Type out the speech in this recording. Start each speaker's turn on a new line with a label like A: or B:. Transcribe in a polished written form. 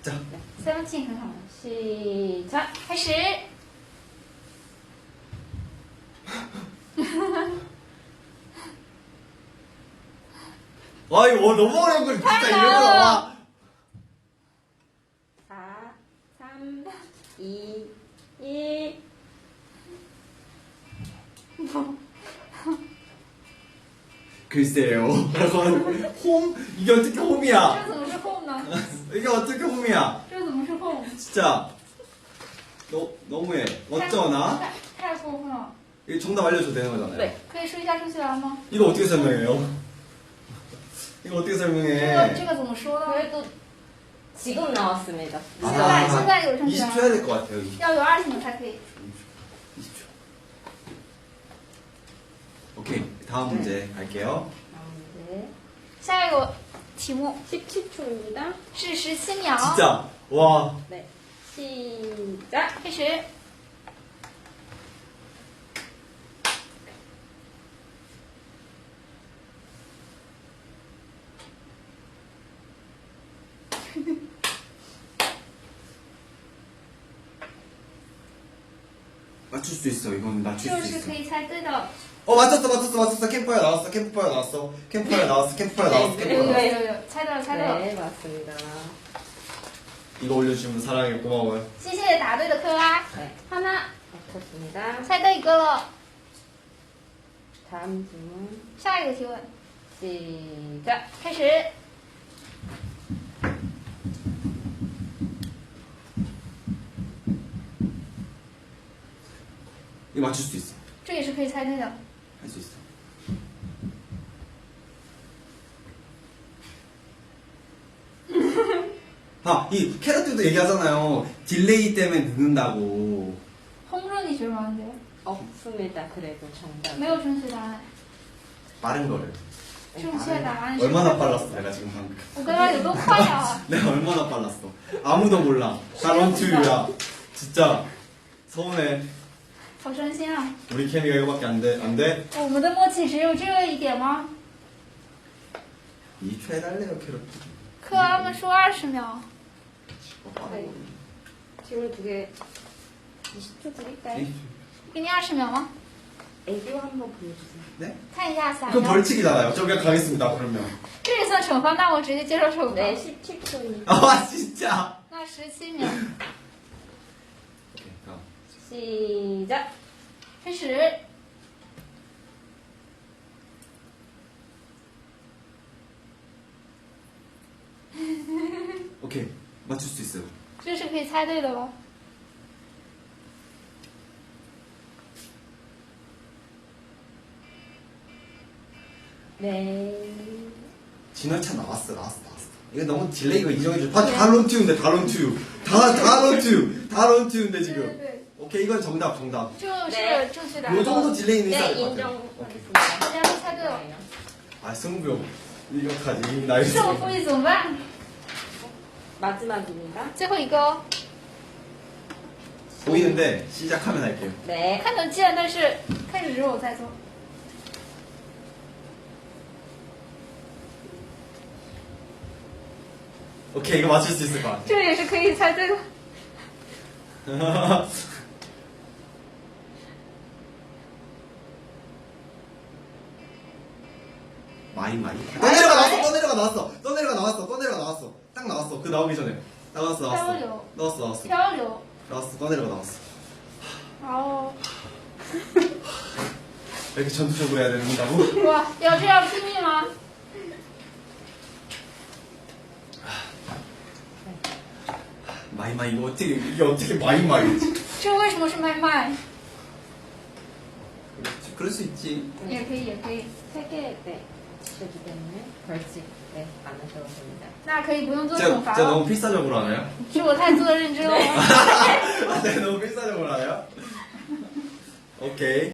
A: 자.
B: 17很好 시작开始
A: 와 이거 너무 어려운 걸 진짜 이러더라.
C: 4, 3, 2, 1.
A: 글쎄요. 홈? 이게 어떻게 홈이야?
B: 这怎么是 home 呢
A: 이게 어떻게 홈이야?
B: 这怎么是 home
A: 진짜 너무해. 어쩌나?
B: 太过分了
A: 이거 정답 알려줘도 되는 거잖아요.
C: 네.
B: 可以说一下数学来吗
A: 이거 어떻게 설명해요? 이거 어떻게
B: 这
A: 설명해?
B: 个怎么说呢
C: 그래도 지금 나왔습니다.
B: 现在有成绩
A: 20초 해야 될 것 같아요. 20초.
B: 要有20秒才可以
A: 20초. 오케이. 다음 문제 갈게요.
C: 다음 문제.
B: 下一个题目
C: 17초입니다.
B: 是17秒
A: 진짜 와.
C: 네. 시작.
B: 开始
A: 맞출 수 있어. 이건 맞출
B: 就
A: 수
B: 是
A: 있어.
B: 可以猜对的
A: 맞췄어. 캠프파이어 나왔어. 캠프파이어 나왔어. 캠프파이어 나왔어. 캠프파이어 나왔어.
B: 有
A: 캠프파이어
B: 有
A: 나왔어.
B: 有有猜到了猜到了
C: 네, 맞습니다.
A: 이거 올려주면 사랑해. 고마워요.
B: 谢谢答对的克拉
C: 네, 하나 맞췄습니다.
B: 猜对一个了
C: 다음 질문
B: 下一个提问
C: 시작.
B: 开始
A: 이거 맞출 수 있어.
B: 这也是可以猜对的
A: 할 수 있어. 이 캐럿들도 얘기하잖아요. 딜레이 때문에 늦는다고.
B: 轰热你觉得吗
C: 없습니다. 그래도 정답.
B: 没有正确答案
A: 빠른 거를.
B: 正确答案是
A: 얼마나 빨랐어, 내가 지금 방금.
B: 我刚刚有多快啊
A: 내가 얼마나 빨랐어. 아무도 몰라. 다 런투유야. 진짜 서운해.
B: 好伤心啊
A: 우리 케미가 이거밖에 안 돼. 안 돼?
B: 我们的默契只有这一点吗
A: 2초 해달래요, 캐럿.
B: 克拉们说20秒
C: 네. 질문 2개 20초 드릴까요?
B: 给你20秒吗
C: 애교 한번 보여주세요.
A: 네?
B: 看一下撒
A: 그건
B: 娇
A: 벌칙이잖아요. 저 그냥 가겠습니다, 그러면.
B: 这也算惩罚那我直接接受惩罚
C: 네, 17초입니다.
A: 아, 진짜.
B: 那17秒
A: 오케이, 다음.
C: 시작.
B: 开始
A: 오케이. 맞출 수 있어요.
B: 这是可以猜对的了
C: 네.
A: 진월차 나왔어. 이거 너무 딜레이가 이정해줘. 다 런투유인데, 다 런투유. 다 런투유. 다 런투유인데,
B: 对
A: 지금.
B: 对对
A: 오케이, 이건 정답.
B: 就是
C: 네
B: 正确答案
A: 요 정도 딜레이는 있어야
C: 네,
A: 될 것 같아요. 오케이.
C: 인정하겠습니다.
B: 大家都猜对了
A: 아, 승부욕. 이거까지. 나이
B: 胜负欲怎么办
C: 마지막입니다.
B: 最后一个哦
A: 보이는데, 시작하면 할게요.
C: 네.
B: 看得见但是开始之后我再做
A: 오케이, 이거 맞출 수 있을 것 같아.
B: 这也是可以猜对的
A: 마이. 떠내려가 나왔어. 딱 나왔어. 그 나오기 전에. 나왔어.
B: 漂流
A: 나왔어.
B: 漂流
A: 나왔어. 떠내려가 나왔어.
B: 然后
A: 이렇게 전투적으로 해야 된다고?
B: 哇要这样拼命吗
A: 마이, 이게 어떻게 마이지?
B: 这为什么是麦麦
A: 그럴 수 있지.
B: 也可以也可以
C: 3개, 네. 지켜주기 때문에 벌칙, 네. 안 하셔도 됩니다.
B: 那可以不用做惩
A: 제가
B: 罚
A: 너무
B: 了
A: 필사적으로 하나요?
B: 是我太做的认真了吗
A: 제가 너무 필사적으로 하나요? 오케이.